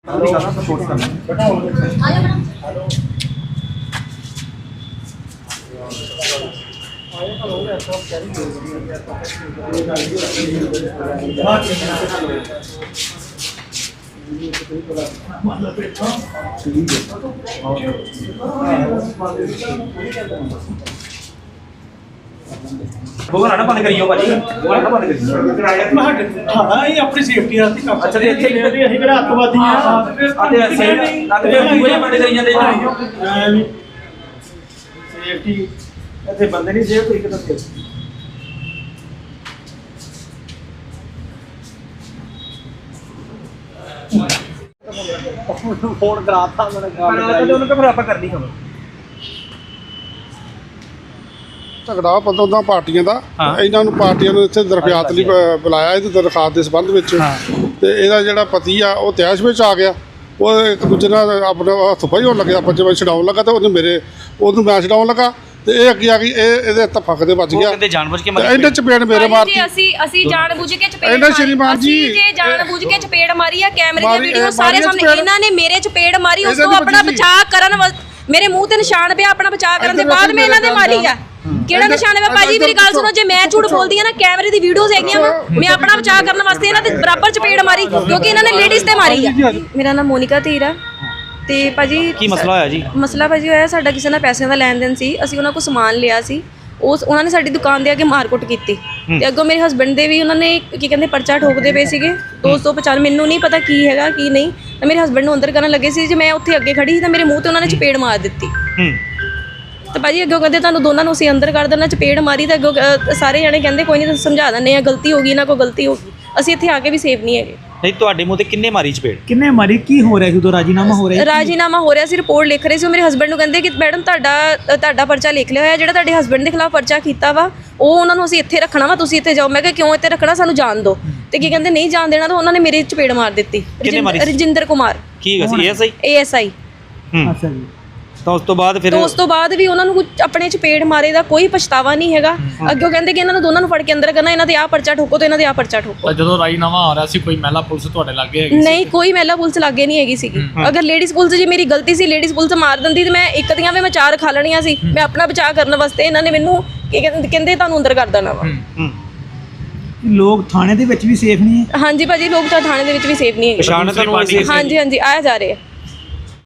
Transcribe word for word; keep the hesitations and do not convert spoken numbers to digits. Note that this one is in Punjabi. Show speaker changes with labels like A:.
A: ਬੋਲਣਾ ਨਾ ਬੰਦ ਕਰੀਓ ਭਾਜੀ, ਬੋਲਣਾ ਨਾ ਬੰਦ ਕਰੀਓ।
B: ਹਾਂ ਇਹ ਆਪਣੀ ਸੇਫਟੀ ਵਾਸਤੇ ਕੰਮ।
A: ਅੱਛਾ ਤੇ ਇੱਥੇ
B: ਅਸੀਂ ਕਿਹੜਾ ਅੱਤਵਾਦੀ ਆ
A: ਆਤੇ ਅਸੀਂ ਆਤੇ ਬੂਹੇ ਬੰਦ ਕਰੀ ਜਾਂਦੇ ਜੀ।
B: ਸੇਫਟੀ ਇੱਥੇ ਬੰਦੇ ਨਹੀਂ ਸੇਫ ਤੁਸੀਂ ਕਿੱਥੇ ਫੋਨ ਕਰਾਤਾ ਮੈਨੂੰ
A: ਉਹਨੂੰ ਤਾਂ ਆਪਾਂ ਕਰਨੀ ਖਬਰ
C: ਝਗੜਾ ਪਤਾ ਉਹਦਾ ਪਾਰਟੀਆਂ ਦਾ। ਇਹਨਾਂ ਨੂੰ ਪਾਰਟੀਆਂ ਨੂੰ ਇੱਥੇ ਦਰਖਾਸਤ ਲਈ ਬ- ਬੁਲਾਇਆ ਇਹਦੀ ਦਰਖਾਸਤ ਦੇ ਸੰਬੰਧ ਵਿੱਚ। ਤੇ ਇਹਦਾ ਜਿਹੜਾ ਪਤੀ ਆ ਉਹ ਤੈਸ਼ ਵਿੱਚ ਆ ਗਿਆ। ਉਹ ਇੱਕ ਦੂਜੇ ਨਾਲ ਆਪਣਾ ਹੱਥ ਫਾਈ ਹੋਣ ਲੱਗਿਆ, ਪੰਜ ਵਜੇ ਛਡਾਉਣ ਲੱਗਾ ਤੇ ਉਹਨੇ ਮੇਰੇ ਉਹਨੂੰ ਮੈਂ ਛਡਾਉਣ ਲੱਗਾ ਤੇ ਇਹ ਅੱਗੇ ਆ ਗਈ। ਇਹ ਇਹਦੇ ਧੱਫਕ ਦੇ ਵੱਜ ਗਿਆ।
A: ਕਹਿੰਦੇ ਜਾਣਬੁੱਝ ਕੇ
C: ਤੇ ਇਹਨੇ ਚਪੇੜ ਮੇਰੇ ਮਾਰਤੀ।
D: ਜੀ ਅਸੀਂ ਅਸੀਂ ਜਾਣਬੁੱਝ ਕੇ ਚਪੇੜ
C: ਇਹਨਾਂ ਸ਼੍ਰੀਮਾਨ ਜੀ
D: ਅਸੀਂ ਜੇ ਜਾਣਬੁੱਝ ਕੇ ਚਪੇੜ ਮਾਰੀ ਆ, ਕੈਮਰੇ ਦੀਆਂ
C: ਮਾਰੀ-
D: ਵੀਡੀਓ ਸਾਰੇ
C: ਮਾਰੀ ਆ
D: ਸਾਹਮਣੇ।
C: ਚਪੇੜ।
D: ਇਹਨਾਂ ਨੇ ਮੇਰੇ ਚਪੇੜ ਮਾਰੀ, ਉਸ
C: ਇਹਦੇ
D: ਤੋਂ
C: ਤੇ
D: ਆਪਣਾ
C: ਵੱਜੀ ਸੀ।
D: ਬਚਾਅ ਕਰਨ ਵ- ਮੇਰੇ ਮੂੰਹ ਤੇ ਨਿਸ਼ਾਨ ਪਿਆ, ਆਪਣਾ ਬਚਾਅ ਕਰਨ ਦੇ
C: ਇੱਧਰ
D: ਬਾਅਦ ਮੈਂ ਇਹਨਾਂ ਦੇ
C: ਇੱਧਰ
D: ਮਾਰੀ ਆ। ਕਿਹੜਾ
C: ਇੱਧਰ-
D: ਨਿਸ਼ਾਨ ਹੈ ਭਾਜੀ? ਮੇਰੀ ਗੱਲ ਸੁਣੋ, ਜੇ ਮੈਂ ਝੂਠ ਬੋਲਦੀ ਆ ਨਾ, ਕੈਮਰੇ ਦੀ ਵੀਡੀਓਜ਼ ਹੈਗੀਆਂ ਵਾ, ਮੈਂ ਆਪਣਾ ਬਚਾਅ ਕਰਨ ਵਾਸਤੇ ਇਹਨਾਂ ਦੇ ਬਰਾਬਰ ਚਪੇੜ ਮਾਰੀ, ਕਿਉਂਕਿ ਇਹਨਾਂ ਨੇ ਲੇਡੀਜ਼ ਤੇ ਮਾਰੀ ਆ। ਮੇਰਾ ਨਾਮ ਮੋਨਿਕਾ ਧੀਰ ਆ। ਤੇ ਭਾਜੀ
A: ਕੀ ਮਸਲਾ ਹੋਇਆ ਜੀ?
D: ਮਸਲਾ ਭਾਜੀ ਹੋਇਆ ਸਾਡਾ ਕਿਸੇ ਨਾਲ ਪੈਸਿਆਂ ਦਾ ਲੈਣ ਦੇਣ ਸੀ। ਅਸੀਂ ਉਹਨਾਂ ਕੋਲ ਸਮਾਨ ਲਿਆ ਸੀ, ਉਸ ਉਹਨਾਂ ਨੇ ਸਾਡੀ ਦੁਕਾਨ ਦੇ ਅੱਗੇ ਮਾਰਕੁੱਟ ਕੀਤੀ ਤੇ ਅੱਗੋਂ ਮੇਰੇ ਹਸਬੰਡ ਦੇ ਵੀ ਉਹਨਾਂ ਨੇ ਕੀ ਕਹਿੰਦੇ ਪਰਚਾ ਠੋਕਦੇ ਪਏ ਸੀਗੇ ਦੋ ਸੌ ਪਚਾਨਵੇਂ। ਮੈਨੂੰ ਨਹੀਂ ਪਤਾ ਕੀ ਹੈਗਾ ਕੀ ਨਹੀਂ, ਤਾਂ ਮੇਰੇ ਹਸਬੰਡ ਨੂੰ ਅੰਦਰ ਕਰਨ ਲੱਗੇ ਸੀ। ਜੇ ਮੈਂ ਉੱਥੇ ਅੱਗੇ ਖੜੀ ਸੀ ਤਾਂ ਮੇਰੇ ਮੂੰਹ ਤੇ ਉਹਨਾਂ ਨੇ ਚਪੇੜ ਮਾਰ ਦਿੱਤੀ।
A: ਹੂੰ
D: ਤਾਂ ਭਾਜੀ ਅੱਗੋਂ ਕਹਿੰਦੇ ਤੁਹਾਨੂੰ ਦੋਨਾਂ ਨੂੰ ਅਸੀਂ ਅੰਦਰ ਕਰ ਦੇਣਾ, ਚਪੇੜ ਮਾਰੀ ਤਾਂ ਅੱਗੋਂ ਅ, ਸਾਰੇ ਜਣੇ ਕਹਿੰਦੇ ਕੋਈ ਨਹੀਂ ਤੁਸੀਂ ਸਮਝਾ ਦਿੰਦੇ ਆ, ਗਲਤੀ ਹੋ ਗਈ ਨਾ, ਕੋਈ ਗਲਤੀ ਹੋ ਗਈ। ਅਸੀਂ ਇੱਥੇ ਆ ਕੇ ਵੀ ਸੇਫ ਨਹੀਂ ਹੈਗੇ।
A: ਨਹੀਂ ਤੁਹਾਡੇ ਮੂੰਹ ਤੇ ਕਿੰਨੇ ਮਾਰੀ ਚਪੇੜ?
B: ਕਿੰਨੇ ਮਾਰੀ? ਕੀ ਹੋ ਰਿਹਾ ਸੀ ਉਦੋਂ? ਰਾਜੀਨਾਮਾ ਹੋ ਰਿਹਾ?
D: ਰਾਜੀਨਾਮਾ ਹੋ ਰਿਹਾ ਸੀ, ਰਿਪੋਰਟ ਲਿਖ ਰਹੇ ਸੀ। ਉਹ ਮੇਰੇ ਹਸਬੰਡ ਨੂੰ ਕਹਿੰਦੇ ਕਿ ਮੈਡਮ ਤੁਹਾਡਾ ਤੁਹਾਡਾ ਪਰਚਾ ਲਿਖ ਲਿਆ ਹੋਇਆ, ਜਿਹੜਾ ਤੁਹਾਡੇ ਹਸਬੰਡ ਦੇ ਖਿਲਾਫ ਪਰਚਾ ਕੀਤਾ ਵਾ ਉਹ ਉਹਨਾਂ ਨੂੰ ਅਸੀਂ ਇੱਥੇ ਰੱਖਣਾ ਵਾ, ਤੁਸੀਂ ਇੱਥੇ ਜਾਓ। ਮੈਂ ਕਿਹਾ ਕਿਉਂ ਇੱਥੇ ਰੱਖਣਾ, ਸਾਨੂੰ ਜਾਣ ਦਿਓ। ਤੇ ਕੀ ਕਹਿੰਦੇ ਨਹੀਂ ਜਾਣ ਦੇਣਾ, ਤਾਂ ਉਹਨਾਂ ਨੇ ਮੇਰੇ ਚਪੇੜ ਮਾਰ ਦਿੱਤੀ। ਰਜਿੰਦਰ ਕੁਮਾਰ
A: ਕੀ ਸੀ? S I
D: A S I.
A: ਹੂੰ
B: ਅੱਛਾ ਜੀ।
A: ਤਾਂ ਉਸ ਤੋਂ ਬਾਅਦ ਫਿਰ
D: ਉਸ ਤੋਂ ਬਾਅਦ ਵੀ ਉਹਨਾਂ ਨੂੰ ਕੁਝ ਆਪਣੇ ਚਪੇੜ ਮਾਰੇ ਦਾ ਕੋਈ ਪਛਤਾਵਾ ਨਹੀਂ ਹੈਗਾ। ਅੱਗੇ ਕਹਿੰਦੇ ਕਿ ਇਹਨਾਂ ਨੂੰ ਦੋਨਾਂ ਨੂੰ ਫੜ ਕੇ ਅੰਦਰ ਕਰਨਾ, ਇਹਨਾਂ ਦੇ ਆਹ ਪਰਚਾ ਠੋਕੋ ਤੇ ਇਹਨਾਂ ਦੇ ਆਹ ਪਰਚਾ ਠੋਕੋ।
E: ਤਾਂ ਜਦੋਂ ਰਾਜੀਨਾਮਾ ਆ ਰਿਹਾ ਸੀ ਕੋਈ ਮਹਿਲਾ ਪੁਲਿਸ ਤੁਹਾਡੇ ਲੱਗੇ ਹੈਗੀ?
D: ਨਹੀਂ, ਕੋਈ ਮਹਿਲਾ ਪੁਲਿਸ ਲਾਗੇ ਨਹੀਂ ਹੈਗੀ ਸੀਗੀ। ਅਗਰ ਲੇਡੀਜ਼ ਪੁਲਿਸ ਜੀ ਮੇਰੀ ਗਲਤੀ ਸੀ, ਲੇਡੀਜ਼ ਪੁਲਿਸ ਮਾਰ ਦਿੰਦੀ ਤੇ ਮੈਂ ਇੱਕ ਦੀਆਂ ਵੀ ਮੈਂ ਚਾਰ ਖਾ ਲੈਣੀਆਂ ਸੀ। ਮੈਂ ਆਪਣਾ ਬਚਾਅ ਕਰਨ ਵਾਸਤੇ ਇਹਨਾਂ ਨੇ ਮੈਨੂੰ ਕੀ ਕਹਿੰਦੇ ਕਹਿੰਦੇ ਤੁਹਾਨੂੰ ਅੰਦਰ ਕਰ ਦੇਣਾ ਵਾ।
A: ਹੂੰ
B: ਲੋਕ ਥਾਣੇ ਦੇ ਵਿੱਚ ਵੀ ਸੇਫ ਨਹੀਂ ਹੈ?
D: ਹਾਂਜੀ ਭਾਜੀ, ਲੋਕ ਤਾਂ ਥਾਣੇ ਦੇ ਵਿੱਚ ਵੀ ਸੇਫ ਨਹੀਂ ਹੈਗੇ।
A: ਪਛਾਣ ਤੁਹਾਨੂੰ
D: ਹਾਂਜੀ ਹਾਂਜੀ ਆਇਆ ਜਾ ਰਹੇ ਆ।